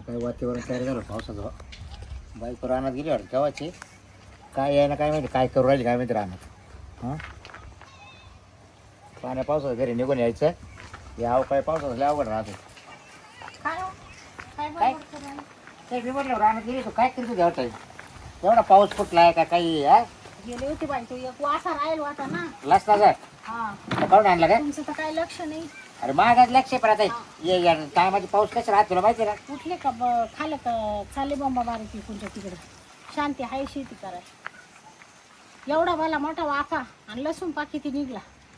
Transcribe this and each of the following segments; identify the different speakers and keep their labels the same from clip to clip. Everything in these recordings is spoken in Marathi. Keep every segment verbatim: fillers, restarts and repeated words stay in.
Speaker 1: काय वातावरण तयार झालं पावसाचं. बाईक रानात गेली वाटतं केव्हाची. काय यायला काय माहिती काय करू राहिली काय माहिती रानात. हां पाण्या पावसाचं घरी निघून यायचं. यावं काय पावसाचं लय अवघड राहते.
Speaker 2: काय हो? काय
Speaker 1: काय?
Speaker 2: बडबड करायला?
Speaker 1: काय मी म्हटलं रानात गेली तू काय करतो घ्यावं एवढा पाऊस फुटलाय का काही. हा
Speaker 2: गेले होते बाई तो एक वासा राहील होता ना.
Speaker 1: लसला जाय
Speaker 2: हा
Speaker 1: काढून आणला काय.
Speaker 2: तुमचं तर काही लक्ष नाही.
Speaker 1: अरे महागात लक्ष पण आता ये या टायमाची पाऊस कशी राहत तुला माहिती आहे ना.
Speaker 2: उठले का ब- खाल्लं का चाले बंबा बारीक तुमच्या तिकडे शांती आहे शेती करायला. एवढा भला मोठा वाफा आणि लसूण पाकिती निघला.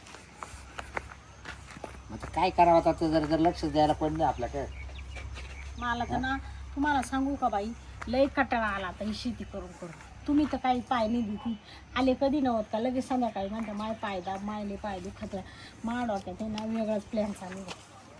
Speaker 1: आता काय करावं आता ते जर जर लक्ष द्यायला पण नाही आपल्याकडे.
Speaker 2: मला तर ना तुम्हाला सांगू का बाई लय कटाळा आला आता ही शेती करून करून. तुम्ही तर काही पाय नाही देती. आले कधी नव्हत का लगेच संध्याकाळी म्हणता माय पाय दाब मायले पाय दुखत मा डोक्यात आहे ना वेगळाच प्लॅन चालू आहे.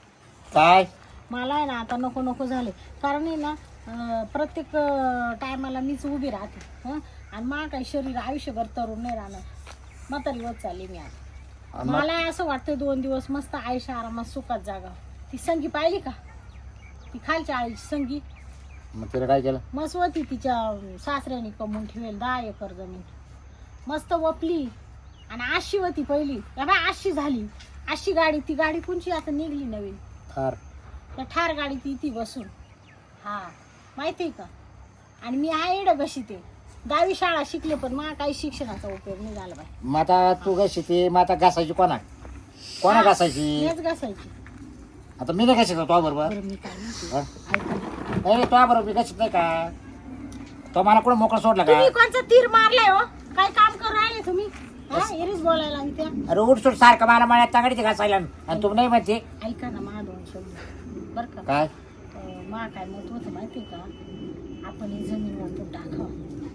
Speaker 1: काय
Speaker 2: मला आहे ना आता नको नको झाले. कारण आहे ना अं, प्रत्येक टायमाला मीच उभी राहते हं आणि मा काही शरीर आयुष्यभर तरुण नाही राहणार. म्हातारी होत चालली मी आता. मला असं वाटतं दोन दिवस मस्त आयुष्य आरामात सुखात जागा. ती संगी पाहिली का ती खालच्या आईची संगी
Speaker 1: मग तिला काय केलं.
Speaker 2: मस्त होती तिच्या सासऱ्याने कमवून ठेवेल दहा एकर जमीन मस्त वपली आणि आशी होती पहिली. या बाय आशी झाली. आशी गाडी ती गाडी कोणची आता निघली नवीन
Speaker 1: थार.
Speaker 2: त्या ठार गाडी ती ती बसून. हा माहिती आहे का. आणि मी आहे एड कशी ते दहावी शाळा शिकले पण मला काही शिक्षणाचा उपयोग नाही झाला बाई.
Speaker 1: मग आता तू कशी ती मग आता घासायची कोणा कोणा घासायची.
Speaker 2: हेच घासायची.
Speaker 1: आता मी नाही घासायचं तो बरोबर.
Speaker 2: बरं मी काय म्हणते
Speaker 1: हा?
Speaker 2: ऐका ना.
Speaker 1: नाही तो बरोबर मी घासत नाही का. तो मला कुठं मोकळा सोडला का.
Speaker 2: तुम्ही कोणचा तीर मारलाय हो. काय काम करू राहिले तुम्ही हा एरीच बोलायला आणि त्या
Speaker 1: अरे उठसूट सारखं मला मळ्यात तागडीचे घासायला आणि तू नाही म्हणते.
Speaker 2: ऐका ना मा दोन शब्द बरं का.
Speaker 1: काय
Speaker 2: अं, मा काय मत होतं माहिती आहे का आपण ही जमीन वाटून टाकावं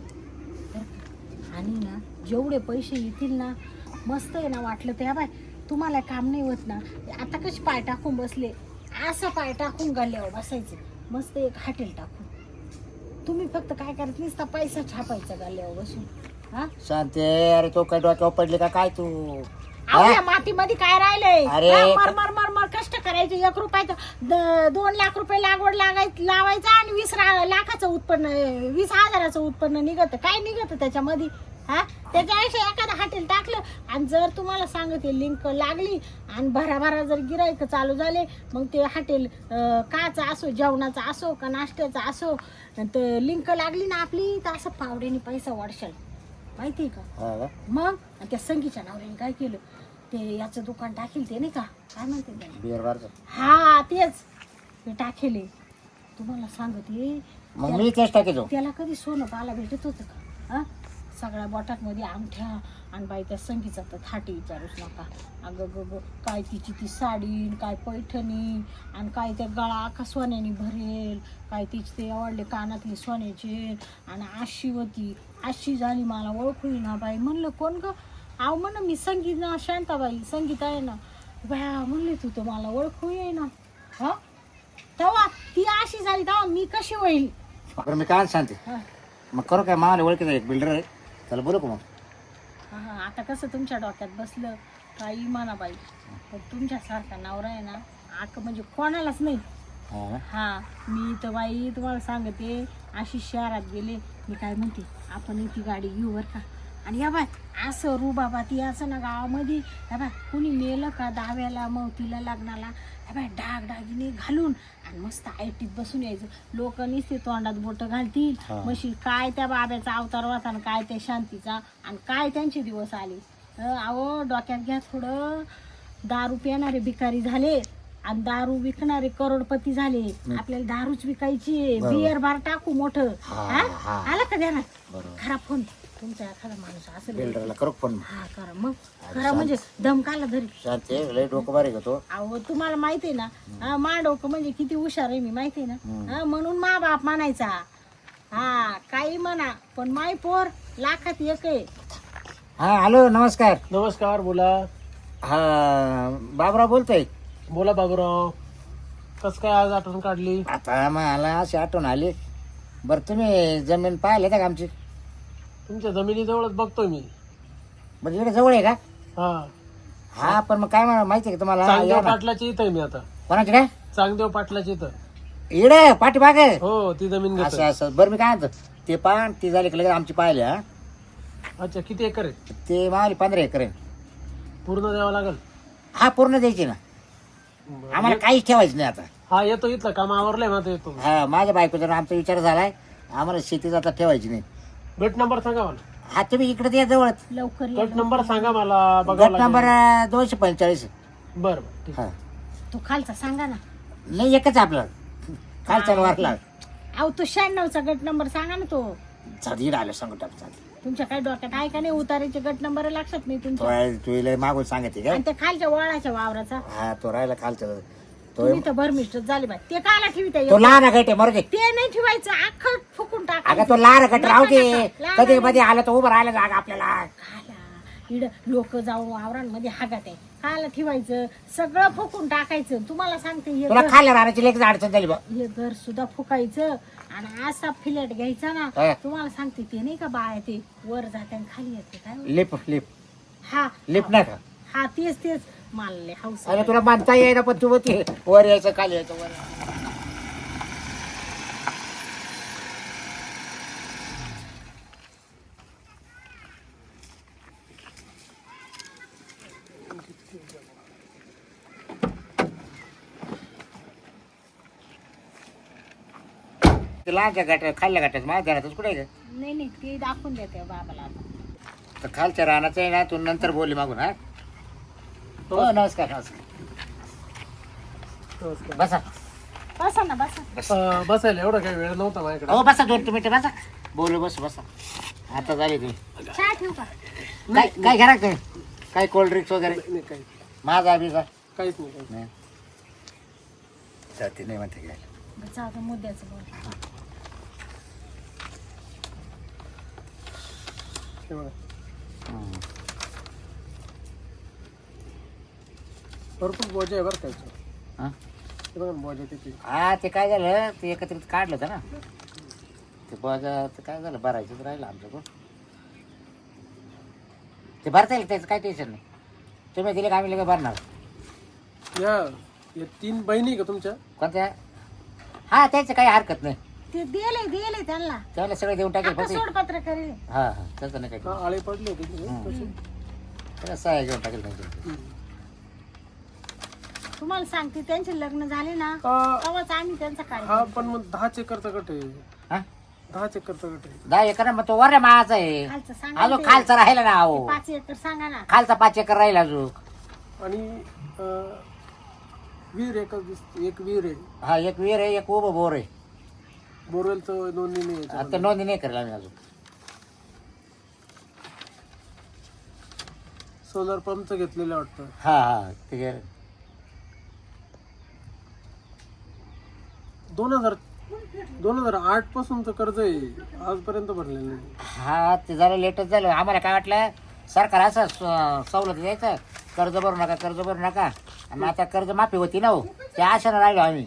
Speaker 2: बरं का. आणि ना जेवढे पैसे येतील ना मस्त आहे ना वाटलं तर या बाय तुम्हाला काम नाही होत ना. आता कशी पाय टाकून बसले असं पाय टाकून गल्ल्यावर बसायचे मस्त एक हॉटेल टाकून. तुम्ही फक्त काय करत नुसता पैसा छापायचा गल्ल्यावर बसून. हा
Speaker 1: शांते अरे तो काय डोक्यावर पडले का काय तू.
Speaker 2: अहो या मातीमध्ये काय राहिलंय.
Speaker 1: अरे,
Speaker 2: हा, मर मर मर मर कष्ट करायचे. एक रुपयाचं द- दोन लाख रुपये लागवड लागाय लावायचं आणि वीस रा- लाखाचं उत्पन्न वीस हजाराचं उत्पन्न निघत काय निघत त्याच्यामध्ये. हा त्याच्यापेक्षा एखादं हॉटेल टाकलं आणि जर तुम्हाला सांगते लिंक लागली आणि भराभरा जर गिरायक चालू झाले मग ते हॉटेल काचा असो जेवणाचा असो का नाश्त्याचा असो तर लिंक लागली ना आपली तर असं पावड्याने पैसा वाढशाल माहिती आहे का.
Speaker 1: हा का?
Speaker 2: मग आणि त्या संगीच्या नवऱ्याने काय केलं ते याचं दुकान टाकेल ते नाही का काय म्हणते त्याला?
Speaker 1: बिअर बारचं.
Speaker 2: हा तेच ते टाकेले. तुम्हाला सांगते
Speaker 1: मग मी तेच टाकेतो.
Speaker 2: त्याला कधी सोनं पाहायला भेटत होतं का. हा सगळ्या बोटांमध्ये अंगठ्या आणि बाई त्या संगीचा तर थाटी विचारूच नका. अगं ग ग काय तिची ती साडी काय पैठणी आणि काय त्या गळा का सोन्याने भरेल काय तिचे ते आवडले कानातले सोन्याचे आणि आशी होती. आशी झाली मला ओळखू ना बाई. म्हणलं कोण ग. अहो म्हण मी संगीत ना शांताबाई संगीत आहे ना बाया म्हणले तू तर मला ओळखू ये ना. हा तेव्हा ती अशी झाली तेव्हा मी कशी होईल.
Speaker 1: बरं मी काय सांगते
Speaker 2: हा
Speaker 1: मग करू काय मला ओळखीचा एक बिल्डर आहे त्याला बोलू का मग.
Speaker 2: हा आता कसं तुमच्या डोक्यात बसलं काही म्हणा बाई पण तुमच्यासारखा नवरा आहे ना आक म्हणजे कोणालाच नाही.
Speaker 1: हा ना?
Speaker 2: हा मी तर बाई तुम्हाला सांगते अशी शहरात गेले मी काय म्हणते आपण ती गाडी घेऊ बरं का. आणि या बाय असं रू बाबा ती असं ना गावामध्ये या बाय कुणी मेलं का दहाव्याला मवतीला लग्नाला या बाय डाग डागिने घालून आणि मस्त आयटीत बसून यायचं. लोक नुसते तोंडात बोटं घालतील मशी काय त्या बाब्याचा अवतार होता आणि काय त्या शांतीचा आणि काय त्यांचे दिवस आले. अं, अहो डोक्यात घ्या थोडं. दारू पिणारे भिकारी झाले आणि दारू विकणारे करोडपती झाले. आपल्याला दारूच विकायची बियर बार टाकू मोठं. हा आला का द्या ना खरा फोन तुमचा एखादा माणूस असेल
Speaker 1: बिल्डरला करू पण
Speaker 2: हा करा मग खरा म्हणजे धमकाला धरी.
Speaker 1: शांते लय डोकं बारीक होतो.
Speaker 2: अहो तुम्हाला माहिती आहे ना हा, मा डोकं म्हणजे किती हुशार आहे मी माहिती आहे ना. हा, म्हणून मा बाप म्हणायचा हा काही म्हणा पण माय पोर लाखात एक आहे.
Speaker 1: हा हॅलो नमस्कार.
Speaker 3: नमस्कार बोला.
Speaker 1: हा बाबराव बोलतोय.
Speaker 3: बोला बाबूराव कस काय आज आठवण काढली.
Speaker 1: आता मला अशी आठवण आली. बरं तुम्ही जमीन पाहिले का आमची.
Speaker 3: तुमच्या जमिनीजवळच बघतोय मी.
Speaker 1: म्हणजे इकडे जवळ आहे का.
Speaker 3: हा
Speaker 1: हा पण मग काय म्हणा माहिती आहे का तुम्हाला
Speaker 3: चांगदेव
Speaker 1: या ना.
Speaker 3: पाटलाच्या इथं आहे मी आता.
Speaker 1: कोणाची काय
Speaker 3: चांगदेव पाटलाच्या इथं.
Speaker 1: इकडे पाठीमाग
Speaker 3: हो ती जमीन
Speaker 1: असं
Speaker 3: घेतो.
Speaker 1: असं बरं मी काय म्हणतो ते पान ती झाली की लगेच आमची पाहिली हा
Speaker 3: अच्छा किती एकर आहे?
Speaker 1: ते मावली पंधरा एकर आहे.
Speaker 3: पूर्ण द्यावं लागेल.
Speaker 1: हा पूर्ण द्यायची ना
Speaker 3: बरं.
Speaker 1: आम्हाला काहीच ठेवायचं नाही आता.
Speaker 3: हा येतो इथलं काम आवरलंय माझं येतो.
Speaker 1: हा माझ्या बायकोचा आमचा विचार झालाय आम्हाला शेती आता ठेवायची नाही.
Speaker 3: गट नंबर सांगा मला.
Speaker 1: हा तुम्ही इकडे या जवळ
Speaker 2: लवकर या.
Speaker 3: गट नंबर सांगा मला बघावं
Speaker 1: गट नंबर
Speaker 3: लागेल.
Speaker 1: अं, दोनशे पंचेचाळीस
Speaker 3: बरं बरं ठीक.
Speaker 1: हा
Speaker 2: तो खालचा सांगा ना.
Speaker 1: नाही एकच आपलं खालचा वारला
Speaker 2: अहो तो शहाण्णवचा गट नंबर सांगा ना. तो
Speaker 1: चादी आलं सांगतो चादी
Speaker 2: तुमच्या काय डोक्यात आहे का नाही उतारायचे गट नंबर लक्षात नाही तुमच्या.
Speaker 1: तो तुला मागून सांगते काय
Speaker 2: आणि त्या खालच्या वळाच्या वावराचा
Speaker 1: हा तो राहिला खालचा तो
Speaker 2: तुम्ही तर भरमिष्ट झाले बाय. ते काला ठेविता
Speaker 1: तो लहान गट आहे मरू दे.
Speaker 2: ते नाही ठेवायचं अख्खं फुकून
Speaker 1: अगं
Speaker 2: टाकायचं.
Speaker 1: तो लहान गट राहू दे
Speaker 2: नका, नका.
Speaker 1: कधी मध्ये आला तो उभं राहिला जागा आपल्याला.
Speaker 2: इड लोक जाऊन वावरांमध्ये हागात आहे काला ठेवायचं सगळं फुकून टाकायचं. तुम्हाला सांगते हे
Speaker 1: तुला
Speaker 2: घर-
Speaker 1: खाल्ल्या राहण्याची लेख अडचण झाली बा
Speaker 2: हे घर सुद्धा फुकायचं आणि असा फिलेट घ्यायचा ना.
Speaker 1: हा.
Speaker 2: तुम्हाला सांगते ते नाही का बाय ते वर जाते आणि खाली येते काय म्हणते?
Speaker 1: लिप लिप
Speaker 2: हा
Speaker 1: लिप नाही का
Speaker 2: हा तेच तेच मानले हाऊस
Speaker 1: अरे तुला मानता येईना पण तू ते वर यायचं खाली यायचं वर ते लहानच्या गाठ्या खाल्ल्या गाठ्यात माझ्या घरातच कुठे आहे का?
Speaker 2: नाही नाही ते दाखवून देते बाबाला आता.
Speaker 1: तर खालच्या रानाचं आहे ना तू नंतर बोलली मागून हा हो नमस्कार नमस्कार
Speaker 3: नमस्कार.
Speaker 1: बसा
Speaker 2: बसा ना बसा.
Speaker 3: अं, बसायला एवढा काही वेळ नव्हता माझ्याकडे.
Speaker 1: हो बसा दोन मिनिटं बसा बोलू बस बसा आता झाले तुम्ही
Speaker 2: चहा ठेवू का.
Speaker 1: काय काय घरा काय काय कोल्ड ड्रिंक्स वगैरे
Speaker 3: नाही नाही, काही
Speaker 1: माझा अभिजा
Speaker 3: काहीच नाही काहीच
Speaker 1: नाही जाती नाही म्हणते घ्यायला
Speaker 2: बसा आता मुद्द्याचं बोल.
Speaker 3: नाही. हे बघा. भरपूर बोजा आहे बरं काय.
Speaker 1: हा
Speaker 3: हे बघा ना, बोजा किती.
Speaker 1: हा ते काय झालं ते एकत्रित काढलं होतं ना ते बघा ते काय झालं भरायचंच राहिलं आमच्याकडून ते भरता येईल त्याचं काय टेन्शन नाही तुम्ही दिले का आम्ही लगेच भरणार
Speaker 3: या या तीन बहिणी का तुमच्या?
Speaker 1: कोणत्या हा त्याचं काही हरकत नाही
Speaker 2: ते दिले दिले त्यांना
Speaker 1: त्याला सगळं देऊन टाकेल
Speaker 2: आता
Speaker 1: फक्त
Speaker 2: सोडपत्र करेल.
Speaker 1: हा हा त्याचं नाही
Speaker 3: हा
Speaker 1: काही
Speaker 3: आळे पडले होते तिथे.
Speaker 1: हम्म.
Speaker 3: तसे.
Speaker 1: त्याला सहाय्य घेऊन टाकेल नाही
Speaker 3: हम्म.
Speaker 2: तुम्हाला सांगते त्यांचे लग्न झाले ना
Speaker 3: अं,
Speaker 2: तेव्हाच आम्ही त्यांचा
Speaker 3: हा
Speaker 2: कार्यक्रम
Speaker 3: पण मग दहा चेकरचा गट आहे.
Speaker 1: हा
Speaker 3: दहा चेकरचा गट आहे.
Speaker 1: दहा एकर मग तो वर माझा आहे
Speaker 2: खालचं सांगा
Speaker 1: अजून
Speaker 2: ते.
Speaker 1: खालचा राहिला ना अहो
Speaker 2: पाच एकर सांगा ना.
Speaker 1: खालचा पाच एकर राहिला अजून
Speaker 3: आणि अं, विहीर एकच दिसते. एक विहीर आहे.
Speaker 1: हा एक विहीर आहे एक उभं बोर आहे
Speaker 3: बोरवेलचं नोंदणी नाही
Speaker 1: आता
Speaker 3: याच्यामध्ये.
Speaker 1: नोंदणी नाही करेल आम्ही अजून
Speaker 3: सोलर पंपचं घेतलेलं वाटतं.
Speaker 1: हा हा ते गे-
Speaker 3: दोन हजार दोन हजार आठ पासूनचं कर्ज आहे आजपर्यंत भरलेलं नाही.
Speaker 1: हा ते झालं लेटच झालं आम्हाला काय वाटलं सरकार असं स- सवलत द्यायचं कर्ज भरू नका कर्ज भरू नका आणि आता कर्ज माफी होती ना हो त्या आशानं राहिलो आम्ही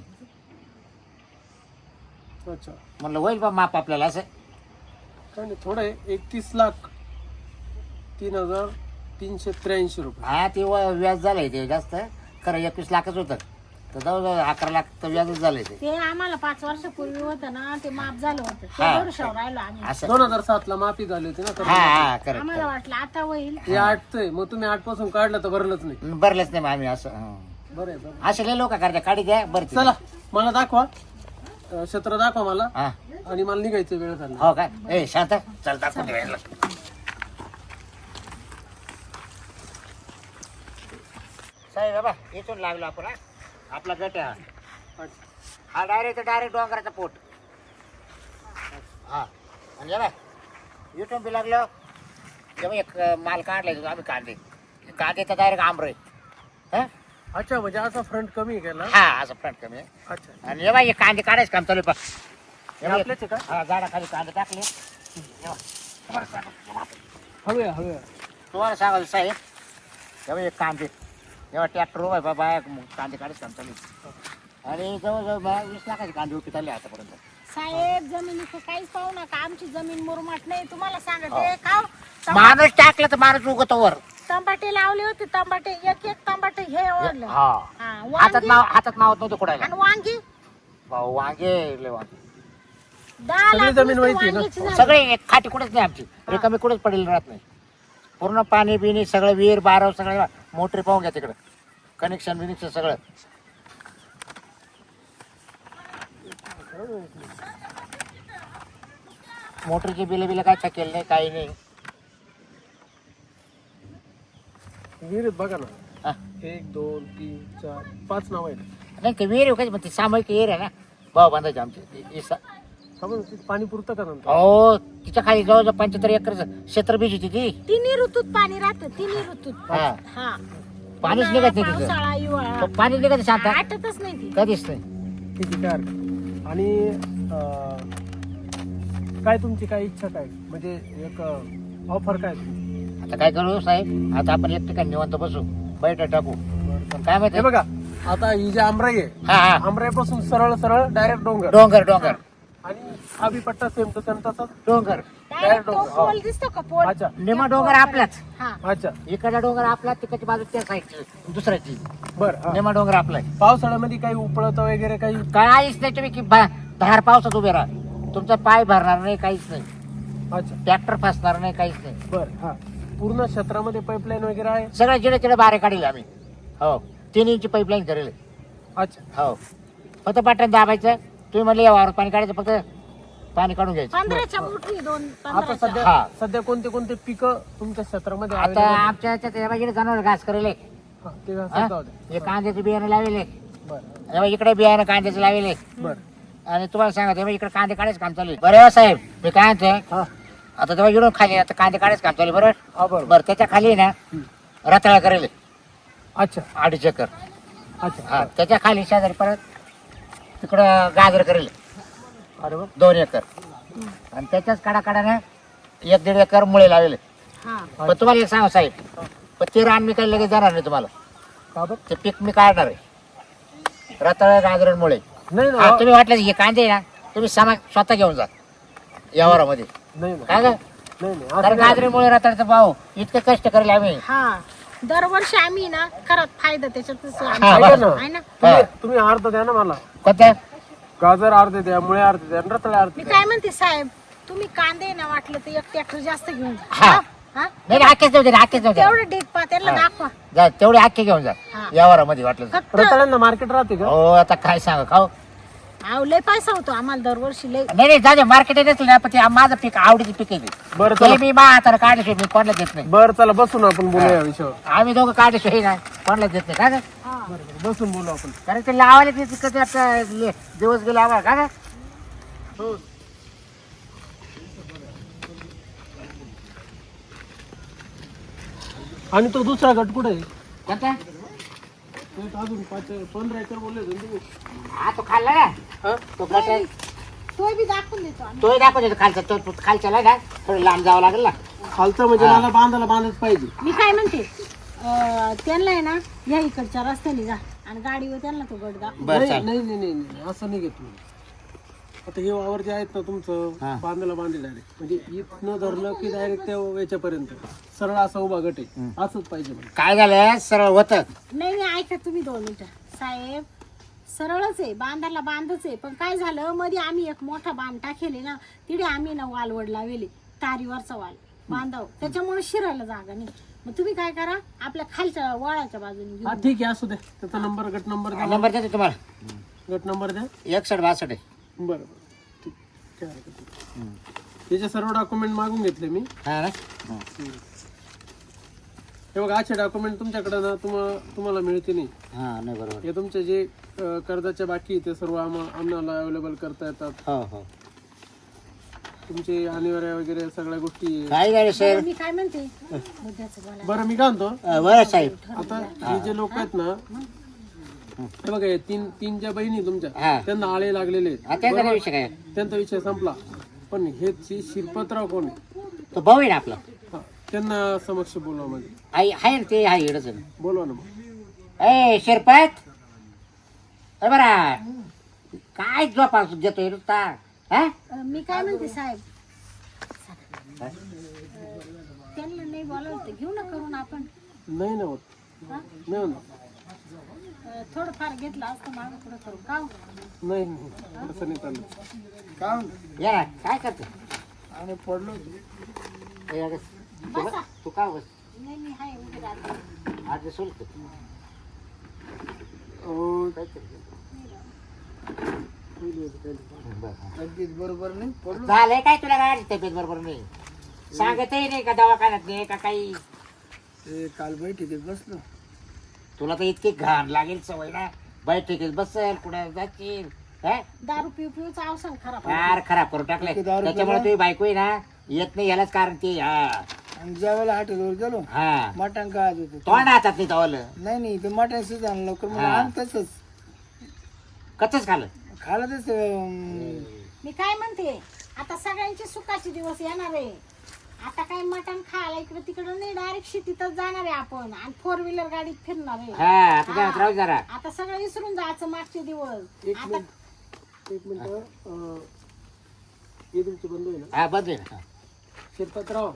Speaker 3: अच्छा
Speaker 1: म्हणलं होईल बा माफ आपल्याला असं
Speaker 3: काय नाही थोडं आहे. एकतीस लाख तीन हजार तीनशे त्र्याऐंशी रुपये.
Speaker 1: हा ते व- व्याज झालंय ते जास्त खरं एकवीस लाखच होतं तर जवळजवळ अकरा लाख तर व्याजच झालंय ते
Speaker 2: ते आम्हाला पाच वर्षापूर्वी होतं ना ते माफ झालं होतं ते
Speaker 1: हा.
Speaker 2: भरोशावर राहिलो आम्ही.
Speaker 1: असं
Speaker 3: दोन हजार सात ला माफी झाली होती ना
Speaker 1: हा
Speaker 3: कर्ज.
Speaker 1: हा करेक्ट
Speaker 2: आम्हाला वाटलं आता होईल.
Speaker 3: हे आठचं आहे मग तुम्ही आठ पासून काढलं तर भरलंच नाही.
Speaker 1: भरलंच नाही मग आम्ही असं हं.
Speaker 3: बरं आहे बरं.
Speaker 1: असे लय लोक करता काढी द्या बरं ते.
Speaker 3: चला मला दाखवा अं, क्षेत्र दाखवा मला
Speaker 1: हा
Speaker 3: आणि मला निघायचं वेळ झाला.
Speaker 1: हो काय ए शांत चल दाखवून दे याला. साहेब बाबा इथून लागलो आपण हा. आपला गट आहे हा. हा डायरेक्ट डायरेक्ट डोंगराचा पोट हा आणि बा इथून बी लागलो तेव्हा एक माल काढलाय तो आम्ही कांदे कांदे तर डायरेक्ट आंबरे हा
Speaker 3: अच्छा म्हणजे असा फ्रंट कमी केला.
Speaker 1: हा असं फ्रंट कमी आहे
Speaker 3: अच्छा
Speaker 1: आणि हे बाई हे कांदे काढायचं काम चालू आहे पहा. हे बाई,
Speaker 3: आपल्याच आहे का?
Speaker 1: हा झाडाखाली कांदे टाकले हे बघ. तुम्हाला सांगा-
Speaker 3: हवे हवे
Speaker 1: तुम्हाला सांगाल साहेब तेव्हा एक कांदे जेव्हा ट्रॅक्टर उभा आहे बाबा कांदे काढायचं काम चालू आहे. आणि जवळजवळ बा वीस लाखाचे कांदे उभी चालले आतापर्यंत
Speaker 2: साहेब जमिनीचं काहीच पाहू नका आमची जमीन मुरमाट नाही तुम्हाला सांगते का
Speaker 1: माणूस टाकला तर माणूस उगतो वर
Speaker 2: तंबाटे लावले होते तंबाटे एक एक तंबाटे हे ओढलं.
Speaker 1: हा
Speaker 2: हा,
Speaker 1: हातात
Speaker 2: वांगी
Speaker 1: नाव हातात नावत नव्हतं कुडायला
Speaker 2: आणि वांगी
Speaker 1: भाऊ वांगे लय वांगे
Speaker 2: दहा
Speaker 3: सगळी
Speaker 2: लाख
Speaker 3: जमीन
Speaker 2: नुसतं
Speaker 3: माहिती आहे ना?
Speaker 2: वांग्याची झाली.
Speaker 1: सगळे एक खाटी कुठेच नाही आमची रिकामी कुठेच पडेल राहत नाही पूर्ण पाणी बिणी सगळं विहीर बारव सगळं मोटरी पाहून घ्या तिकडं कनेक्शन बिनेक्शन सगळं मोटरीची बिल बिल काय थकेल नाही काही नाही
Speaker 3: विहिरीत बघा ना
Speaker 1: हा.
Speaker 3: एक दोन तीन चार पाच नाव आहेत.
Speaker 1: नाही ते विहीर काय म्हणते सामूहिक विहीर आहे ना भाऊ बांधायचे आमचे इसा
Speaker 3: हा पण तिथं पाणी पुरतं का नंतर?
Speaker 1: हो तिच्या खाली जवळजवळ पंच्याहत्तर एकर क्षेत्र बीज होती ती
Speaker 2: तिन्ही ऋतूत पाणी राहतं तिन्ही ऋतूत
Speaker 1: हा
Speaker 2: हा
Speaker 1: पाणीच निघत नाही तिथं
Speaker 2: पावसाळा हिवाळा
Speaker 1: पाणी निघत नाही शांत
Speaker 2: आटतच नाही ती
Speaker 1: कधीच नाही
Speaker 3: ठीक आहे काय हरकत नाही. आणि अं, काय तुमची काय इच्छा काय म्हणजे एक ऑफर काय तुमची?
Speaker 1: आता काय करू साहेब आता आपण एक ठिकाणी निवांत बसू बैठक टाकू
Speaker 3: बरं,
Speaker 1: काय माहिती
Speaker 3: हे बघा आता ही जी आमराई आहे
Speaker 1: हा हा
Speaker 3: आमराईपासून सरळ सरळ डायरेक्ट डोंगर
Speaker 1: डोंगर डोंगर
Speaker 3: आणि हा बी पट्टा सेम तो सेम तसाच.
Speaker 1: डोंगर
Speaker 2: डायरेक्ट तो
Speaker 3: डोंगर, हा.
Speaker 2: पोल दिसतो का पोल
Speaker 3: अच्छा
Speaker 1: निमा डोंगर आपलाच
Speaker 2: हा
Speaker 3: अच्छा
Speaker 1: इकडला डोंगर आपला तिकडची बाजू त्या साईडची दुसऱ्याची
Speaker 3: बर हा.
Speaker 1: निमा डोंगर आपला आहे.
Speaker 3: पावसाळ्यामध्ये काही उपळत वगैरे काही
Speaker 1: काहीच नाही तुम्ही की भा- धार पावसात उभे राहा तुमचा पाय भरणार नाही काहीच नाही
Speaker 3: अच्छा
Speaker 1: ट्रॅक्टर फसणार नाही काहीच नाही
Speaker 3: बर हा पूर्ण क्षेत्रामध्ये पाईपलाईन वगैरे आहे.
Speaker 1: सगळं जिडे तिडे बारे काढले आम्ही हो तीन इंची पाईपलाईन करेल
Speaker 3: अच्छा
Speaker 1: हो फक्त बटन दाबायचं तुम्ही म्हणले या वावरात पाणी काढायचं फक्त पाणी काढून घ्यायचं
Speaker 2: पंधराच्या मोठी दोन
Speaker 3: आता
Speaker 2: पंधराच्या
Speaker 3: सध्या
Speaker 1: हा.
Speaker 3: सध्या कोणते कोणते पिकं तुमच्या क्षेत्रामध्ये
Speaker 1: आता
Speaker 3: available आहेत?
Speaker 1: आमच्या याच्यात या बाई जनावर घास करेल
Speaker 3: हा, ते
Speaker 1: हा?
Speaker 3: सध्या होते.
Speaker 1: हे कांद्याचे बियाणं लावले
Speaker 3: बर
Speaker 1: इकडे बियाणं कांद्याचे लावले
Speaker 3: बर
Speaker 1: आणि तुम्हाला सांगा तेव्हा इकडे कांदे काढायचं काम चालू आहे बरं साहेब मी काय म्हणतोय
Speaker 3: हा
Speaker 1: आता तेव्हा इकडून खाली आता कांदे काढायचं काम चालू आहे बरोबर
Speaker 3: हा बरोबर
Speaker 1: बरं त्याच्या खाली ना रताळा करेल
Speaker 3: अच्छा
Speaker 1: अडीच एकर
Speaker 3: अच्छा
Speaker 1: हा त्याच्या खाली शेजारी परत तिकडं गाजर करेल
Speaker 3: अरे वा
Speaker 1: दोन एकर आणि त्याच्याच काढा काढाने एक दीड एकर मुळे लावले
Speaker 2: हा
Speaker 1: पण तुम्हाला एक सांगा साहेब पण ते रान मी काही लगेच जाणार नाही तुम्हाला
Speaker 3: का बर
Speaker 1: ते पीक मी काढणार आहे रताळ गाजर मुळे
Speaker 3: नाही
Speaker 1: हा
Speaker 3: ना
Speaker 1: तुम्ही वाटलं हे कांदे ना तुम्ही सामा स्वतः घेऊन जा यावरामध्ये
Speaker 3: नाही ना
Speaker 1: काय ग
Speaker 3: नाही नाही
Speaker 1: कारण
Speaker 3: असं नाही.
Speaker 1: गाजरीमुळे रताळचा भाव इतके कष्ट करेल आम्ही
Speaker 2: हा दरवर्षी आम्ही ना खरंच फायदा त्याच्यातच
Speaker 1: हा,
Speaker 2: आम्ही-
Speaker 3: ऐका ना.
Speaker 2: आहे ना
Speaker 3: तुम्ही तुम्ही अर्ध द्या ना मला
Speaker 1: कोणत्या
Speaker 3: गाजर अर्धे द्या मुळे अर्धे द्या आणि रताळे अर्धे
Speaker 2: मी
Speaker 3: द्या.
Speaker 2: काय म्हणते साहेब तुम्ही कांदे ना वाटलं तर एक ट्रॅक्टर जास्त घेऊन जा
Speaker 1: हा.
Speaker 2: हा? हा?
Speaker 1: नाही नाही, आखेच जाऊ दे आखेच जाऊ दे
Speaker 2: तेवढं डेट पा त्याला
Speaker 1: हा.
Speaker 2: दाखवा
Speaker 1: जा तेवढे आखे घेऊन जा
Speaker 2: हा.
Speaker 1: यावरामध्ये वाटलं तर.
Speaker 2: फक्त
Speaker 3: रताळ्यांना मार्केट राहते का
Speaker 1: हो आता काय सांगा खाऊ
Speaker 2: अहो, लय पैसा होतो आम्हाला दरवर्षी लय
Speaker 1: नाही नाही जा दे मार्केट येतच नाही पण ते माझं पीक आवडीचं पीक आहे ते.
Speaker 3: बरं
Speaker 1: ते
Speaker 3: चला
Speaker 1: मी मा हाताने काढल्याशिवाय मी कोणाला देत नाही
Speaker 3: बरं चला बसून आपण बोलूया या विषयावर
Speaker 1: आम्ही दोघं काढल्याशिवाय ना कोणाला देत नाही का ग?
Speaker 2: हा.
Speaker 3: बरं बरं बसून बोलू आपण
Speaker 1: कारण ते लावायला ते कधी आता ले- दिवस गेले आम्हाला का ग?
Speaker 3: हो आणि तो दुसरा गट कुठे आहे
Speaker 1: कोणता?
Speaker 3: तो एक अजून पाच पंधरा एकर बोलले होते ना तुम्ही
Speaker 1: हा तो खाल्ला ना
Speaker 3: हा?
Speaker 1: तो गट आहे.
Speaker 2: तोय बी दाखवून देतो आम्ही
Speaker 1: तोही दाखवतो तो खालचा तो तो खालच्याला ना थोडं लांब जावं लागेल ना
Speaker 3: खालचा म्हणजे मला बांधायला बांधच पाहिजे
Speaker 2: मी काय म्हणते अं, त्यांना आहे ना या इकडच्या रस्त्याने जा आणि गाडीवर त्यांना तो गट दाखव
Speaker 1: बरं
Speaker 3: नाही
Speaker 1: चाल
Speaker 3: नाही नाही नाही नाही, असं नाही घेत मी आता हे वावर जे आहेत ना
Speaker 1: हा.
Speaker 3: तुमचं बांधायला बांधले डायरेक्ट म्हणजे इथनं धरलं की डायरेक्ट त्या याच्यापर्यंत सरळ असा उभा गट आहे असंच पाहिजे मला.
Speaker 1: काय झालं सरळ होतं
Speaker 2: नाही नाही ऐका तुम्ही दोन मिनिटं साहेब सरळच आहे बांधायला बांधच आहे पण काय झालं मध्ये आम्ही एक मोठा बांध टाकेले ना तिथे आम्ही ना वालवड लावले तारीवरचा वाल बांधाव त्याच्यामुळे शिरायला जागा नाही मग तुम्ही काय करा आपल्या खालच्या वळाच्या बाजूने घेऊन
Speaker 3: हा ठीक आहे असू द्या त्याचा नंबर गट नंबर द्या
Speaker 1: नंबर देतो तुम्हाला
Speaker 3: गट नंबर द्या
Speaker 1: एकसठ बासष्ट आहे
Speaker 3: बरं बरं ठीक काय हरकत नाही. त्याचे सर्व डॉक्युमेंट मागून घेतले मी
Speaker 1: हा ना
Speaker 3: हे बघा असे डॉक्युमेंट तुमच्याकडे ना तुम्हाला तुम्हाला मिळते नाही
Speaker 1: हा नाही बरोबर
Speaker 3: हे तुमचे जे अं, कर्जाचे बाकी आहे ते सर्व आम्हा आम्हाला अवेलेबल करता येतात
Speaker 1: हो हो
Speaker 3: तुमचे अनिवार्य वगैरे सगळ्या गोष्टी आहे.
Speaker 1: काय झालं सर
Speaker 2: मी काय म्हणते मुद्द्याचं बोला
Speaker 3: बरं मी काय म्हणतो
Speaker 1: बरं साहेब
Speaker 3: आता हे जे लोक आहेत ना हे बघा हे तीन तीन ज्या बहिणी आहे
Speaker 1: हा.
Speaker 3: तुमच्या त्यांना आळे लागलेले आहेत.
Speaker 1: हा त्याचा काय विषय काय
Speaker 3: त्यांचा विषय संपला पण हे जे शिरपतराव कोण आहे
Speaker 1: तो भाऊ आहे ना आपला
Speaker 3: हा, त्यांना समक्ष बोलवा म्हणजे
Speaker 1: आई आहे ना ते आहे इकडंच आहे.
Speaker 3: बोलवा ना मग
Speaker 1: ए शिरपत अरे बरा काय झोपा देतोय नुसता हा
Speaker 2: अं, मी काय म्हणते साहेब त्यांना नाही बोलावलं तर घेऊ ना करून आपण
Speaker 3: नाही ना होत
Speaker 2: हा?
Speaker 3: नाही होणार
Speaker 2: अं, थोडंफार घेतलं असतं मागं पुढं करून का हो?
Speaker 3: नाही नाही तसं नाही चालत.
Speaker 4: का
Speaker 1: या ना काय करतो
Speaker 4: आणि पडलो
Speaker 1: ए, अगं, तू
Speaker 2: बसा.
Speaker 1: बस- तू का बस
Speaker 2: नाही मी हाय उभी राहते.
Speaker 1: आज सोलतो
Speaker 4: हो
Speaker 1: काहीतरी बरं, हा.
Speaker 4: तब्येत बरोबर नाही पडलो.
Speaker 1: झालंय काय तुला गाडी तब्येत बरोबर नाही सांगतही नाही का दवाखान्यात नाही का काही
Speaker 4: ते काल बैठकीत बसलो.
Speaker 1: तुला तर इतकी घाण लागेल सवय ना बैठकीत बसेल कुठे जाशील हा?
Speaker 2: दारू पिऊ पिऊच अवसान खराब
Speaker 1: फार खराब करून टाकले
Speaker 4: किती दारू
Speaker 1: त्याच्यामुळे
Speaker 4: पिला?
Speaker 1: तुझी बायको आहे ना येत नाही यालाच कारण ते हा
Speaker 4: आणि ज्यावेळेला हॉटेलवर गेलो
Speaker 1: हा
Speaker 4: मटण काय होतं
Speaker 1: तोंड हातात नाही तवलं
Speaker 4: नाही नाही ते मटण शिजायला लवकर मला
Speaker 1: हा.
Speaker 4: आण तसंच
Speaker 1: कच्चच खाल्लं
Speaker 4: खाला तस
Speaker 2: मी काय म्हणते आता सगळ्यांचे सुखाचे दिवस येणार आहे. आता काय मटण खायला इकडे तिकडे नाही डायरेक्ट शेतीतच जाणार आहे आपण आणि फोर व्हीलर गाडीत फिरणार आहे.
Speaker 1: हा आता जात राहू जरा
Speaker 2: आता सगळं विसरून जायचं मागचे दिवस.
Speaker 3: एक
Speaker 2: आता
Speaker 3: मिनिट एक मिनिट अं, हे तुमचे बंधू आहे ना
Speaker 1: हा बंद आहे ना
Speaker 3: शिरपतराव,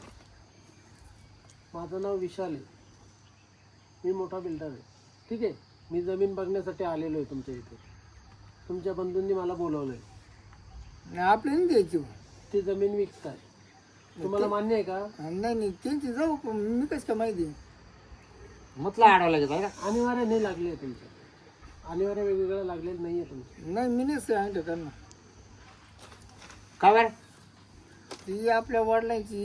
Speaker 3: माझं नाव विशाल आहे. मी मोठा बिल्डर आहे. ठीक आहे. मी जमीन बघण्यासाठी आलेलो आहे तुमच्या इथे. तुमच्या बंधूंनी मला बोलवलं आहे.
Speaker 4: आपल्या नाही द्यायची.
Speaker 3: ती जमीन विकताय. तुम्हाला मान्य आहे का?
Speaker 4: नाही नाही त्यांची जाऊ पण मी कसं काय माहिती.
Speaker 1: मुतला अडवलं गेलं ना
Speaker 3: अनिवार्य नाही लागले आहे तुमच्या. अनिवार्य वेगवेगळं लागलेलं नाही आहे तुमचं.
Speaker 4: नाही मी नाही सांगतो त्यांना.
Speaker 1: का बरं
Speaker 4: ती आपल्या वडिलांची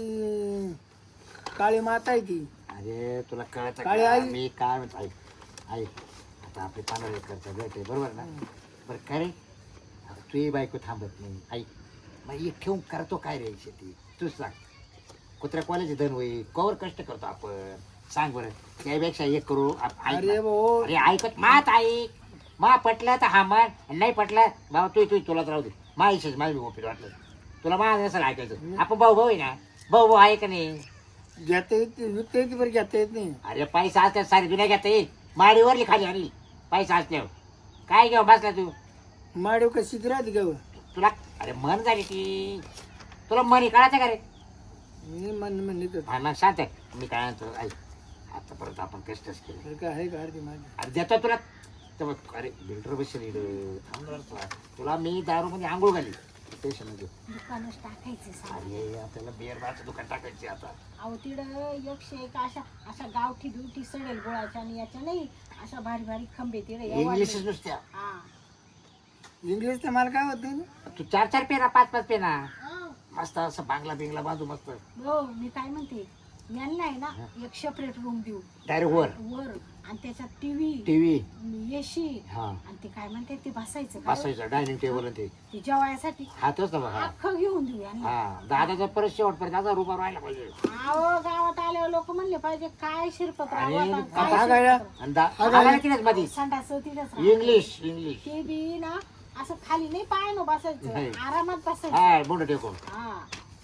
Speaker 4: काळी माता आहे ती.
Speaker 1: अरे तुला कळत
Speaker 4: काळी आई.
Speaker 1: मी काय म्हणतो ऐक ऐक आता आपली पंधरा एकरचा गट आहे बरोबर ना बरं काय रे आता तुही बायको थांबत नाही ऐक मग एक ठेवून करतो काय रे शेती तूच सांग कुत्र्या कॉलेज धन होईल कवर कष्ट करतो आपण सांग बरं त्यापेक्षा एक करू आप- ऐक
Speaker 4: अरे
Speaker 1: ना.
Speaker 4: भाऊ
Speaker 1: अरे ऐकत मात ऐक मा पटलं तर हा मान नाही पटलं बाबा तू तू तुलाच राहू दे मा इच्छेच माझी ओपीत वाटलं तुला माझं नसेल ऐकायचं आपण भाऊ भाऊ आहे ना भाऊ भाऊ आहे का नाही
Speaker 4: घेता येत विकता येते बरं घेता येत नाही.
Speaker 1: अरे पैसा असल्यावर सारी दुनिया घेता येईल माडीवरली खाली आणली पैसा असल्यावर काय घेऊ बसला तू
Speaker 4: माडव का शिक राहते का बा?
Speaker 1: तुला अरे मन झाली ती तुला मनी कळायचं का रे
Speaker 4: मी मन म्हणले तर
Speaker 1: हा मग शांत आहे मी काय म्हणतो ऐक आता परत आपण कष्टच केले
Speaker 4: तर काय आहे का अर्धी माझी.
Speaker 1: अरे देतो तुला तर मग अरे बिल्डर बसेल इकडं. थांब जरा तुला तुला मी दारू मध्ये आंघोळ घाली स्टेशन मध्ये
Speaker 2: दुकानच टाकायचं सारं.
Speaker 1: अरे आपल्याला बिअर बारचं दुकान टाकायचे आता
Speaker 2: अहो तिकडं एकशे एक अशा अशा गावठी बिवठी सडेल गोळाच्या आणि याच्या नाही अशा भारी भारी खंबे तिकडे
Speaker 1: इंग्लिशच नुसत्या
Speaker 2: हा
Speaker 4: इंग्लिश तर मला काय होत नाही ना.
Speaker 1: तू चार चार पेना पाच पाच पेना
Speaker 2: हा.
Speaker 1: मस्त असं बांगला बिंगला बांधू मस्त
Speaker 2: हो मी काय म्हणते यांना आहे ना एक सेपरेट रूम देऊ
Speaker 1: डायरेक्ट वर
Speaker 2: वर आणि त्याच्यात टीव्ही
Speaker 1: टीव्ही
Speaker 2: एसी
Speaker 1: हा
Speaker 2: आणि ते काय म्हणते ते बसायचं का?
Speaker 1: बसायचं डायनिंग टेबल ते
Speaker 2: ते जेवायसाठी
Speaker 1: हातच ना बघा
Speaker 2: अख्खं घेऊन देऊ यांना.
Speaker 1: हा दादाचा परत शेवटपर्यंत दादा रुपा राहायला पाहिजे
Speaker 2: अहो गावात आल्यावर लोक म्हणले पाहिजे काय शिरपत
Speaker 1: अरे,
Speaker 4: हा गाड्या.
Speaker 1: आणि दा- आम्हाला तिथेच मध्ये
Speaker 2: संडास तिथेच
Speaker 1: इंग्लिश इंग्लिश
Speaker 2: ते बी ना असं खाली नाही पाय ना
Speaker 1: नाही.
Speaker 2: बसायचं आरामात बसायचं
Speaker 1: हा बोंड टेकून
Speaker 2: हा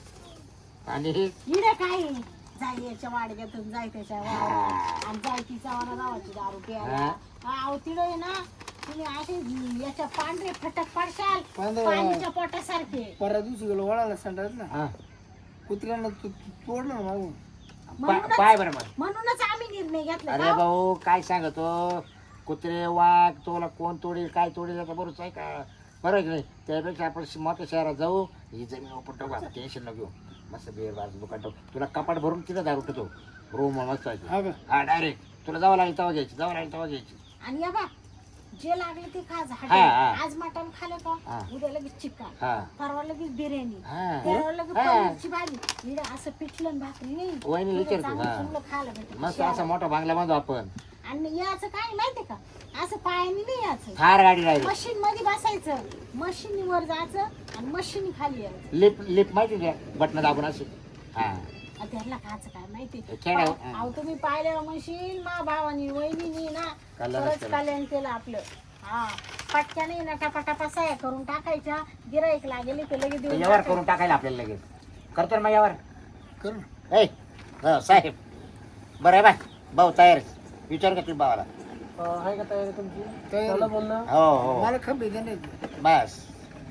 Speaker 1: आणि हे
Speaker 2: इडे काय जाय याच्या वाडग्यातून जाय त्याच्या वावरात आणि जाय तिचा वारा जावाची दारू प्यायला अहो तिडे आहे ना तुम्ही असे याच्या पांढरे फटक पडशाल
Speaker 4: पांढरे.
Speaker 2: पाणीच्या पोटासारखे
Speaker 4: परवा दिवशी गेलो वळाला संडास ना
Speaker 1: हा.
Speaker 4: कुत्र्यानं तू तू- तोडलं ना मागून.
Speaker 1: पा- पाय बरं मग
Speaker 2: म्हणूनच आम्ही निर्णय घेतला
Speaker 1: अरे भाऊ काय सांगतो कुत्रे वाघ तुला कोण तोडील काय तोडील आता बरोबर आहे का बरोबर की नाही त्यापेक्षा आपण श- मोठ्या शहरात जाऊ ही जमीन ओपन टाकू आता टेन्शन न घेऊ मस्त बिअर बारचं दुकान टाकू तुला कपाट भरून तिथं दारू ठेवतो रूम मस्त आहे
Speaker 4: हा का
Speaker 1: हा डायरेक्ट तुला जावं लागेल तेव्हा घ्यायची जावं लागेल तेव्हा घ्यायची
Speaker 2: आणि या बा जे लागले ते खा
Speaker 1: हा, हा.
Speaker 2: आज मटण खाल्लं
Speaker 1: हा.
Speaker 2: का उद्या लगेच चिकन
Speaker 1: हा
Speaker 2: परवा लगेच बिर्याणी
Speaker 1: हा
Speaker 2: परवा लगेच
Speaker 1: हा.
Speaker 2: पनीरची भाजी इकडे असं पिठलं आणि भाकरी नाही
Speaker 1: वहिनी
Speaker 2: इकडे
Speaker 1: विचारतो
Speaker 2: चांगलं
Speaker 1: हा
Speaker 2: चांगलं खायला भेटतं.
Speaker 1: मस्त असा मोठा बांगला बांधू आपण
Speaker 2: आणि याचं काय माहितीये का असं पायाने नाही याचं
Speaker 1: थार गाडी राहिली
Speaker 2: मशीन मध्ये बसायचं मशीनीवर जायचं आणि मशीन खाली यायचं
Speaker 1: लिप लिप माहिती द्या बटन दाबून असे हा
Speaker 2: आणि त्याला खायचं काय माहिती
Speaker 1: खेळ आहे.
Speaker 2: पा- अहो तुम्ही पाहिल्यावर म्हणशील मा भावानी वहिनी ना
Speaker 1: कल्याणच
Speaker 2: खरंच
Speaker 1: केलं.
Speaker 2: कल्याण केलं आपलं हा पटक्याने ना टपाटपा साया करून टाकायच्या गिराईक लागेल ते लगेच देऊन
Speaker 1: यावर
Speaker 2: टाकायचं.
Speaker 1: करून टाकायला आपल्याला लगेच करतो ना मग यावर
Speaker 4: कर ना.
Speaker 1: ऐ हो साहेब बरं आहे बाय भाऊ तयार आहे. विचार का तुम्ही भावाला
Speaker 3: अं, आहे का तयारी तुमची?
Speaker 4: तयारी.
Speaker 3: चला बोलणं.
Speaker 1: हो हो
Speaker 4: मला खंबी दे नाही
Speaker 1: बस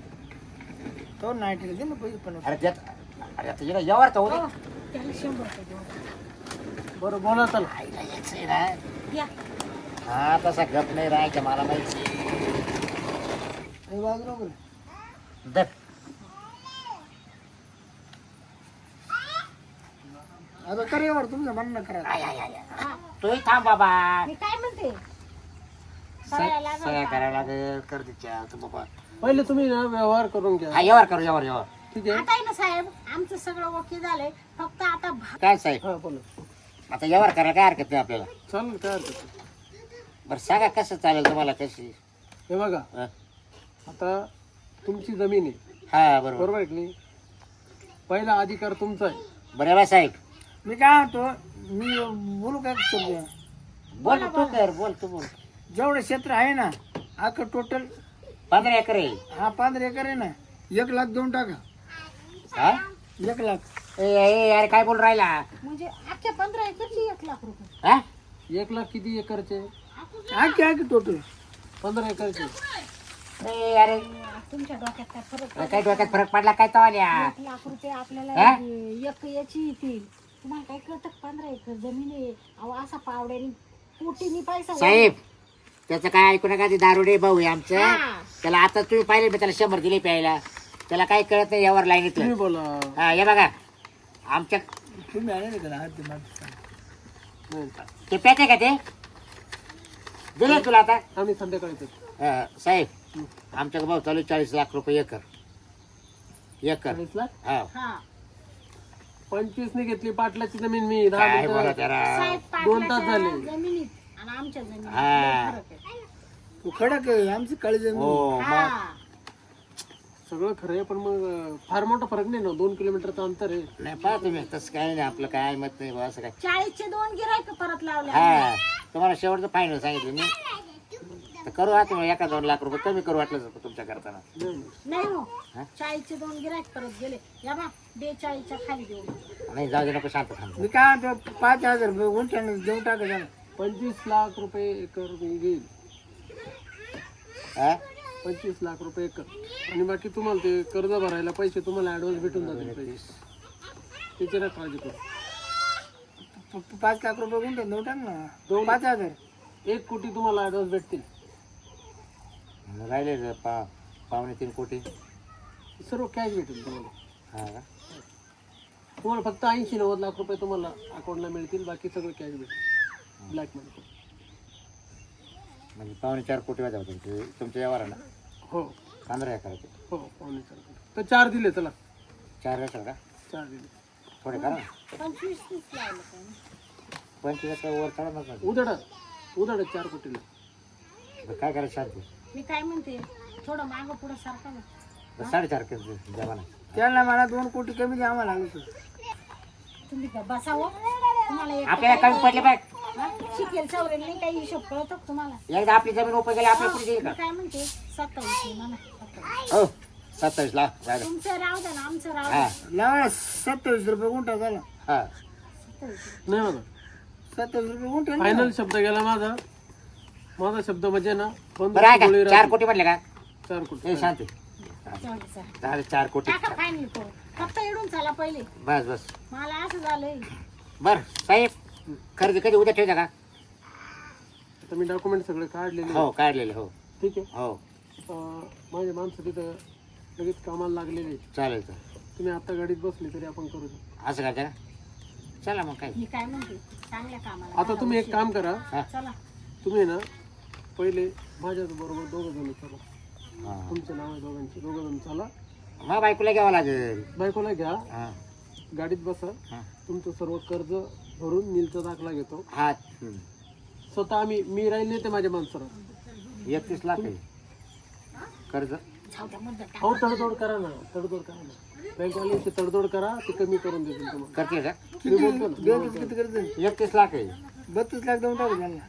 Speaker 4: तो नाईट दे ना पैसे पण
Speaker 1: अरे त्यात अरे आता येणं यावर तर होऊ
Speaker 2: हो,
Speaker 1: दे.
Speaker 2: त्याला शंभर रुपये देऊन टाका.
Speaker 3: बरं बोला चला.
Speaker 1: आईला यायचं आहे ना
Speaker 2: या
Speaker 1: हा तसा गप नाही राहायचा मला माहिती.
Speaker 4: हे बाजूला बघ.
Speaker 1: दर
Speaker 4: आता करेवर तुमचं म्हणणं करा.
Speaker 1: आय, आय, आय, आय.
Speaker 2: हा,
Speaker 1: तूही थांब बाबा.
Speaker 2: मी काय म्हणते सगळ्या लागल
Speaker 1: सगळ्या
Speaker 2: का?
Speaker 1: करायला लागेल कर तिच्या तू बाबा.
Speaker 3: पहिले तुम्ही ना व्यवहार करून घ्या.
Speaker 1: हा यावर करू यावर यावर.
Speaker 3: ठीक आहे.
Speaker 2: आता आहे ना साहेब आमचं सगळं ओके झालंय फक्त आता भा-
Speaker 1: काय साहेब
Speaker 3: हा बोला.
Speaker 1: आता यावर करायला काय हरकत नाही आपल्याला.
Speaker 3: चालेल काय हरकत नाही.
Speaker 1: बरं सांगा कसं चालेल तुम्हाला कशी.
Speaker 3: हे बघा
Speaker 1: हा.
Speaker 3: आता तुमची जमीन आहे
Speaker 1: हा बरोबर.
Speaker 3: बरोबर आहे की नाही. पहिला अधिकार तुमचा आहे.
Speaker 1: बरं बा साहेब
Speaker 4: मी काय म्हणतो मी बोलू काय शब्द?
Speaker 1: बोल तू कर बोल तू बोल.
Speaker 4: जेवढं क्षेत्र आहे ना अख्खं टोटल
Speaker 1: पंधरा एकर आहे.
Speaker 4: हा पंधरा एकर आहे ना एक लाख देऊन टाका.
Speaker 1: हा
Speaker 4: एक लाख.
Speaker 1: ए ए, अरे काय बोल राहिला.
Speaker 2: म्हणजे अख्ख्या पंधरा एकरची एक लाख रुपये
Speaker 1: हा
Speaker 3: एक लाख किती एकरचे?
Speaker 4: अख्खे अख्खे टोटल
Speaker 3: पंधरा एकरचे.
Speaker 1: ए, अरे
Speaker 2: तुमच्या डोक्यात काय फरक
Speaker 1: काय डोक्यात फरक पडला काय तो आल्या.
Speaker 2: एक लाख रुपये आपल्याला
Speaker 1: हा?
Speaker 2: एक याची येतील. तुम्हाला काय कळतं का? पंधरा एकर जमीन आहे अहो असा पावड्यानी कोटीनी पैसा
Speaker 1: साहेब त्याचं काय ऐकू नका. ते दारुडे भाऊ आहे आमचं.
Speaker 2: हा.
Speaker 1: त्याला आता तुम्ही पाहिले मी त्याला शंभर दिले प्यायला. त्याला काही कळत नाही यावर लाईनीतलं.
Speaker 3: तुम्ही बोला.
Speaker 1: हा हे बघा आमच्या
Speaker 4: तुम्ही आले ना त्याला हात ते मागे.
Speaker 3: नाही,
Speaker 1: ते पेटे का ते दिले तुला आता.
Speaker 3: आम्ही संध्याकाळी येतो.
Speaker 1: हा, साहेब आमच्या भाऊ चालू चाळीस लाख रुपये एकर एकर.
Speaker 3: चाळीस लाख.
Speaker 1: हा
Speaker 2: हा
Speaker 3: पंचवीस ने घेतली पाटलाची जमीन मी. दहा
Speaker 1: काय बोला
Speaker 3: मिनिटं.
Speaker 1: त्याला.
Speaker 2: साहेब
Speaker 3: दोन तास
Speaker 2: पाटलाच्या
Speaker 3: झाले.
Speaker 2: जमिनीत आणि आमच्या जमिनीत
Speaker 1: हा.
Speaker 2: लय फरक आहे.
Speaker 4: तू खडक आहे आमची काळी जमीन.
Speaker 1: हो मग
Speaker 2: हा.
Speaker 3: सगळं खरं आहे पण मग फार मोठा फरक नाही ना. दोन किलोमीटरचं अंतर आहे.
Speaker 1: नाही पाहा तुम्ही तसं काय नाही आपलं काय मत नाही बा असं काय.
Speaker 2: चाळीसचे दोन गिरायक परत लावले
Speaker 1: हा तुम्हाला शेवटचं फायनल सांगितलं मी. तर करू आता मग एका दोन लाख रुपये कमी करू वाटलं तर तुमच्या करताना.
Speaker 3: नाही, नाही.
Speaker 2: नाही हो
Speaker 1: हा?
Speaker 2: चाळीसचे दोन गिरायक परत गेले या बा बेचाळीसच्या खाली देऊ
Speaker 1: नाही जाऊ दे नको शांत थांब.
Speaker 4: मी काय म्हणतो पाच हजार रुपये गुंठ्यानं देऊन टाका त्याला.
Speaker 3: पंचवीस लाख रुपये एकर मी घेईल.
Speaker 1: हा?
Speaker 3: पंचवीस लाख रुपये एकर. आणि बाकी तुम्हाला ते कर्ज भरायला पैसे तुम्हाला ऍडव्हान्स भेटून जातील पैसे. त्याची ना काळजी करू.
Speaker 4: प- प- पाच लाख रुपये गुंठ्यात देऊन टाक ना.
Speaker 3: दोन
Speaker 4: पाच हजार.
Speaker 3: एक कोटी तुम्हाला ऍडव्हान्स भेटतील.
Speaker 1: राहिले रे पा पावणे तीन कोटी.
Speaker 3: सर्व कॅश भेटेल तुम्हाला.
Speaker 1: हा का?
Speaker 3: तुम्हाला फक्त ऐंशी नव्वद लाख रुपये तुम्हाला अकाउंटला मिळतील. बाकी सगळं कॅश भेटेल ब्लॅक मध्ये.
Speaker 1: म्हणजे पावणे चार कोटी वाजा होते तुमचे तुमच्या व्यवहाराला.
Speaker 3: हो
Speaker 1: पंधरा एकराचे
Speaker 3: हो पावणे चार कोटी. तर चार दिले चला.
Speaker 1: चार एकर का
Speaker 3: चार दिले.
Speaker 1: थोडे करा ना.
Speaker 2: पंचवीस तीस लावलं काय नाही.
Speaker 1: पंचवीस एकर वर चढा नका.
Speaker 3: उधडा उधडा चार कोटीला.
Speaker 1: काय करायचं शांती.
Speaker 2: मी काय म्हणते थोडं मागं पुढं सारखं ना.
Speaker 1: बरं, साडेचार केलं जमाना.
Speaker 4: त्याला मला दोन कोटी कमी द्या आम्हाला लागलं तर.
Speaker 2: तुम्ही का बसावं तुम्हाला एक
Speaker 1: आपल्याला कमी पडले पाहिजे.
Speaker 2: हा? शिकेल सवरेल नाही काही हिशोब कळतो का तुम्हाला
Speaker 1: एकदा आपली जमीन उपयोग केली आपल्या पुढे येईल
Speaker 2: मी
Speaker 1: का.
Speaker 2: काय म्हणते सत्तावीस आहे म्हणा सत्तावीस.
Speaker 1: हो सत्तावीस लाख झालं.
Speaker 2: तुमचं राहू द्या ना आमचं राहू
Speaker 1: हा
Speaker 2: द्या
Speaker 4: लावा सत्तावीस रुपये गुंठा झाला.
Speaker 1: हा
Speaker 2: सत्तावीस.
Speaker 3: नाही माझा
Speaker 4: सत्तावीस रुपये गुंठा ना.
Speaker 3: फायनल शब्द गेला माझा. माझा शब्द म्हणजे ना बंद
Speaker 1: बरं आहे
Speaker 3: गोळी
Speaker 1: का चार
Speaker 3: राहते.
Speaker 1: कोटी म्हटले का.
Speaker 3: चार
Speaker 1: ए
Speaker 3: कोटी.
Speaker 1: शांती
Speaker 2: जाऊ दे, चला.
Speaker 1: झाले चार कोटी.
Speaker 2: टाका फायनल करू फक्त इडून चला पहिले
Speaker 1: बस बस
Speaker 2: मला असं झालंय
Speaker 1: बर साहेब खरेदी कधी उद्या ठेवता का.
Speaker 3: आता मी डॉक्युमेंट सगळे काढलेले
Speaker 1: हो काढलेले हो.
Speaker 3: ठीक आहे.
Speaker 1: हो
Speaker 3: अं, माझे माणसं तिथं लगेच कामाला लागलेले आहेत.
Speaker 1: चालेल तर
Speaker 3: तुम्ही आता गाडीत बसले तरी आपण करू शकतो.
Speaker 1: असं करता का. चला मग काय.
Speaker 2: मी काय म्हणते चांगल्या कामाला
Speaker 3: आता तुम्ही एक काम करा.
Speaker 1: हा
Speaker 2: चला
Speaker 3: तुम्ही ना पहिले माझ्या बरोबर दोघं जण चला.
Speaker 1: हा
Speaker 3: तुमचे नाव आहे दोघांचे. दोघं जण चला.
Speaker 1: मग बायकोला घ्यावं लागेल.
Speaker 3: बायकोला घ्या.
Speaker 1: हा
Speaker 3: गाडीत बसा.
Speaker 1: हा
Speaker 3: तुमचं सर्व कर्ज भरून नीलचा दाखला घेतो.
Speaker 1: हा हम्म.
Speaker 3: स्वतः आम्ही मी राहील नाही ते माझ्या माणसाला.
Speaker 1: एकतीस लाख आहे कर्ज.
Speaker 2: जाऊ द्या मुद्दा टाका.
Speaker 3: अहो तडजोड करा ना. तडजोड करा ना. बँकवाल्यांची तडजोड करा. ते कमी करून देतील तुम्हाला.
Speaker 1: करते का.
Speaker 3: मी बोलतो ना.
Speaker 4: बँकेत किती कर्ज?
Speaker 1: एकतीस लाख आहे.
Speaker 4: बत्तीस लाख देऊन टाकू त्यांना.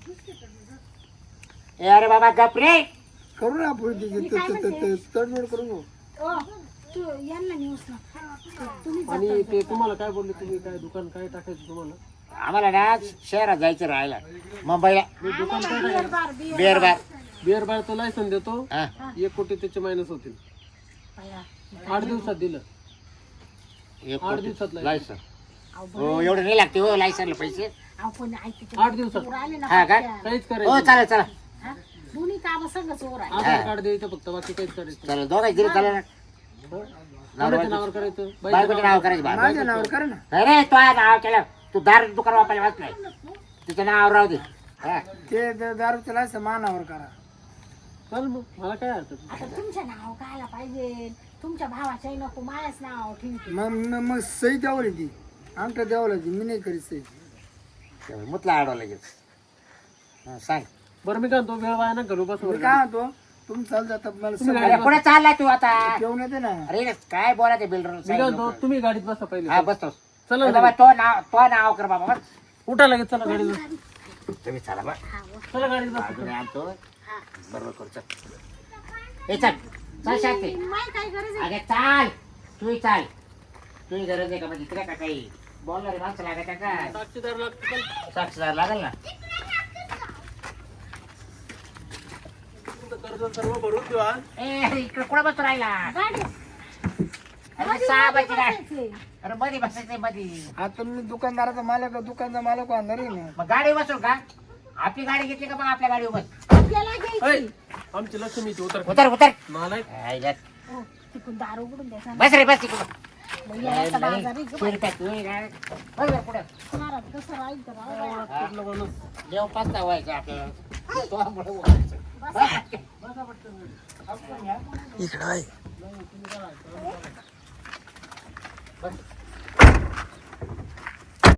Speaker 1: ए अरे बाबा गप रे.
Speaker 4: करू ना आपण ते- ते- ते- ते- ते- तडजोड करू ना.
Speaker 2: ओ तू यांना न्यूज ना तुम्ही
Speaker 3: आणि ते तुम्हाला काय बोलले. तुम्ही काय दुकान काय टाकायचं तुम्हाला.
Speaker 1: आम्हाला ना शहरात जायचं राहायला मुंबईला.
Speaker 2: आम्हाला beer bar beer
Speaker 1: beer bar.
Speaker 3: Beer बारचं लायसन देतो.
Speaker 1: हा
Speaker 3: एक कोटी त्याचे मायनस होतील.
Speaker 2: बाया.
Speaker 3: आठ दिवसात दिलं.
Speaker 1: एक
Speaker 3: आठ
Speaker 1: कोटी
Speaker 3: दिवसात लायसन.
Speaker 1: लायसन.
Speaker 2: अहो,
Speaker 1: हो एवढं नाही लागते हो लायसनला पैसे.
Speaker 2: आपण ऐकते
Speaker 3: आठ दिवसात.
Speaker 2: आले ना
Speaker 1: हा का?
Speaker 2: पटकन.
Speaker 3: काहीच
Speaker 1: हो
Speaker 3: करायचं
Speaker 1: चालेल चला
Speaker 2: हा? दोन्ही काम संगच ओर आहे
Speaker 3: आधार कार्ड द्यायचं फक्त बाकी काहीच करायचं
Speaker 1: चालेल दोघांची दिली चालेल ना
Speaker 3: कोणाच्या नावावर करायचं
Speaker 1: बायकोचं नाव करायचं बा
Speaker 4: माझ्या नावावर करा ना
Speaker 1: नाही रे तो आहे नाव केलं तू दार दुकान वापरायला वाचलाय तिचं नाव राहू दे हा.
Speaker 4: ते द- दारूचं लायसन मानावर करा
Speaker 3: चल मग मला काय हरकत नाही.
Speaker 2: आता तुमचं नाव कायला पाहिजे तुमच्या भावाच्याही नको माझ्याच नाव ठीक
Speaker 4: मग मग मग सही द्यावं लागेल अंगठा द्यावं लागेल मी नाही करीत सही
Speaker 1: मुतला आडवा लगेच हा, सांग
Speaker 3: बरं मी काय म्हणतो वेळ वाया ना घरू बस
Speaker 4: मी काय म्हणतो तुम्ही चाल जाता मला
Speaker 3: तुम्ही
Speaker 4: सगळं
Speaker 1: अरे पुढे चाललाय तू आता
Speaker 4: घेऊन येते ना
Speaker 1: अरे काय बोलायचं बिल्डर
Speaker 3: मी काय म्हणतो तुम्ही गाडीत बसा पहिले
Speaker 1: हा बसतोस
Speaker 3: चला
Speaker 1: ए बाबा तो नाव तो नाव कर बाबा बस
Speaker 3: उठा लगेच चला गाडीत बस.
Speaker 1: तुम्ही चला बा
Speaker 3: चला गाडीत बस
Speaker 1: अजून आणतो बरोबर करू चल ए चल चल शांती
Speaker 2: माय काय गरज आहे
Speaker 1: अगे चाल तूही चाल तुही गरज आहे का म्हणजे तिला का काही बोलणारी माणसं लागत आहे का
Speaker 3: साक्षीदार लागतो चल.
Speaker 1: साक्षीदार लागेल ना
Speaker 3: तुमचं कर्ज सर्व भरून देऊ आज.
Speaker 1: ए इकडे कुठं बसतो राहिला
Speaker 2: गाडी
Speaker 1: अरे सहा बजी काय
Speaker 2: बसायचंय.
Speaker 1: अरे मध्ये बसायचंय मध्ये
Speaker 4: आता मी दुकानदाराचा मालक आहे, दुकानचा मालक आणणार आहे ना
Speaker 1: मग गाडी बसू का आपली गाडी घेतली का मग आपल्या गाडी बस
Speaker 2: आपल्याला
Speaker 3: ऐ,
Speaker 2: घ्यायची
Speaker 3: आमची लक्ष्मीची उतर
Speaker 1: उतर उतर
Speaker 3: मला
Speaker 1: आईला.
Speaker 2: हो, तिकडून दार उघडून द्यायचा
Speaker 1: बस रे बस तिकडं
Speaker 2: मग यायचा बाजार आहे गं.
Speaker 1: शिरप्या तू ये रे. बस रे पुढं
Speaker 2: घरात कसं राहील तर राहू द्या.
Speaker 3: कुठलं माणूस
Speaker 1: देव पाचता व्हायचं आपल्याला तो मुळे व्हायचं.
Speaker 3: इकडं आहे
Speaker 1: बस.